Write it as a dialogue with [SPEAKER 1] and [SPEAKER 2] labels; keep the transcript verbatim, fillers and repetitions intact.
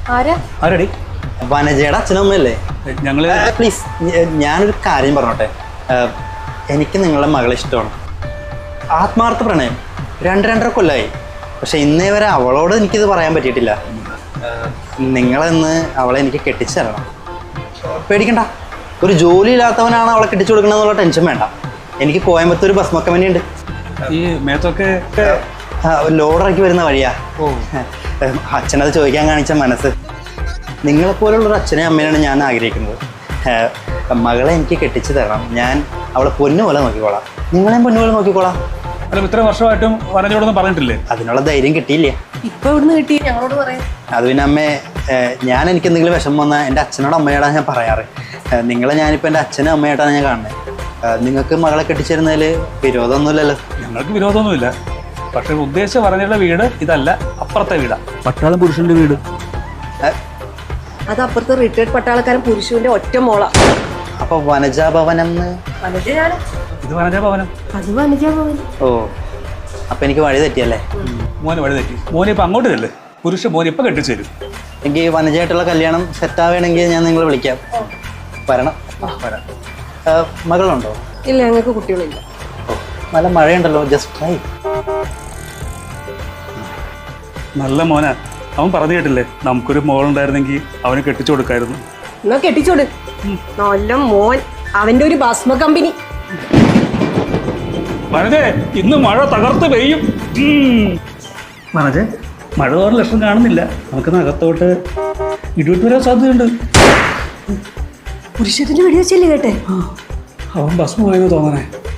[SPEAKER 1] ആരടി?
[SPEAKER 2] വനജയുടെ അച്ഛനമ്മയല്ലേ
[SPEAKER 1] ഞങ്ങള്?
[SPEAKER 2] പ്ലീസ് ഞാനൊരു കാര്യം പറഞ്ഞോട്ടെ. എനിക്ക് നിങ്ങളുടെ മകളെ ഇഷ്ടമാണ്, ആത്മാർത്ഥ പ്രണയം. രണ്ട് രണ്ടര കൊല്ലമായി. പക്ഷെ ഇന്നേ വരെ അവളോട് എനിക്കിത് പറയാൻ പറ്റിയിട്ടില്ല. നിങ്ങളെന്ന് അവളെ എനിക്ക് കെട്ടിച്ചു തരണം. പേടിക്കണ്ട, ഒരു ജോലി ഇല്ലാത്തവനാണ് അവളെ കെട്ടിച്ചു കൊടുക്കണമെന്നുള്ള ടെൻഷൻ വേണ്ട. എനിക്ക് കോയമ്പത്തൂർ ബസ് മക്കമനി ഉണ്ട്.
[SPEAKER 1] ഈ മേത്തൊക്കെ
[SPEAKER 2] ലോഡറാക്കി വരുന്ന വഴിയാ. അച്ഛനത് ചോദിക്കാൻ കാണിച്ച മനസ്സ്. നിങ്ങളെപ്പോലുള്ളൊരു അച്ഛനെയും അമ്മേനാണ് ഞാൻ ആഗ്രഹിക്കുന്നത്. മകളെ എനിക്ക് കെട്ടിച്ചു തരണം. ഞാൻ അവളെ പൊന്നു പോലെ നോക്കിക്കോളാം. നിങ്ങളെയും പൊന്നു പോലെ നോക്കിക്കോളാം.
[SPEAKER 1] അല്ല, ഇത്ര വർഷമായിട്ടും വനജയോടൊന്നും പറഞ്ഞിട്ടില്ലേ?
[SPEAKER 2] അതിനുള്ള ധൈര്യം കിട്ടിയില്ലേ?
[SPEAKER 3] ഇപ്പൊ ഇവിടുന്ന് കിട്ടി ഞങ്ങളോട് പറയാം.
[SPEAKER 2] അത് പിന്നെ അമ്മേ, ഞാൻ എനിക്ക് എന്തെങ്കിലും വിഷമം വന്നാൽ എൻ്റെ അച്ഛനോട് അമ്മയോടാണ് ഞാൻ പറയാറ്. നിങ്ങളെ ഞാനിപ്പോൾ എൻ്റെ അച്ഛനും അമ്മയായിട്ടാണ് ഞാൻ കാണുന്നത്. നിങ്ങൾക്ക് മകളെ കെട്ടിച്ചിരുന്നതിൽ വിരോധമൊന്നുമില്ലല്ലോ?
[SPEAKER 1] ഞങ്ങൾക്ക് വിരോധമൊന്നുമില്ല. പക്ഷെ ഉദ്ദേശിച്ച പറഞ്ഞുള്ള വീട് ഇതല്ല, അപ്പുറത്തെ വീടാ, പട്ടാളം പുരുഷന്റെ വീട്.
[SPEAKER 3] അത് അപ്പുറത്തെ റിട്ടയർഡ് പട്ടാളക്കാരൻ പുരുഷന്റെ ഒറ്റ മോള.
[SPEAKER 2] അപ്പൊ വനജാഭവനം?
[SPEAKER 1] ഇത് വനജാഭവനം.
[SPEAKER 3] അത് വനജാഭവൻ.
[SPEAKER 2] ഓ, അപ്പൊ എനിക്ക് വഴി തെറ്റിയല്ലേ?
[SPEAKER 1] മോന് വഴി തെറ്റി. മോനെ ഇപ്പൊ അങ്ങോട്ട് ചെല്ലേ. പുരുഷ മോനെ ഇപ്പൊ കെട്ടിച്ചു തരും.
[SPEAKER 2] എനിക്ക് വനജയായിട്ടുള്ള കല്യാണം സെറ്റ് ആവുകയാണെങ്കിൽ ഞാൻ നിങ്ങളെ വിളിക്കാം. വരണം.
[SPEAKER 1] വരാം.
[SPEAKER 2] മകളുണ്ടോ?
[SPEAKER 3] ഇല്ല, ഞങ്ങൾക്ക് കുട്ടികളില്ല.
[SPEAKER 2] ഓ, നല്ല മഴയുണ്ടല്ലോ. Just try.
[SPEAKER 1] നല്ല മോനാ. അവൻ പറഞ്ഞു കേട്ടില്ലേ, നമുക്കൊരു മോളുണ്ടായിരുന്നെങ്കിൽ അവന് കെട്ടിച്ചു കൊടുക്കായിരുന്നു.
[SPEAKER 3] എന്നാ കെട്ടിച്ചോട്. നല്ല മോൻ. അവന്റെ ഒരു ഭസ്മ കമ്പനി.
[SPEAKER 1] വനജേ, ഇന്ന് മഴ തകർത്ത് പെയ്യും. വനജേ, മഴ തോറും ലക്ഷണം കാണുന്നില്ല. നമുക്ക് അകത്തോട്ട് ഇടിവിട്ട് വരാൻ സാധ്യതയുണ്ട്.
[SPEAKER 3] പുരുഷത്തിന്റെ വെടിവെച്ചല്ലേ കേട്ടെ?
[SPEAKER 1] അവൻ ഭസ്മമായെന്ന് തോന്നണേ.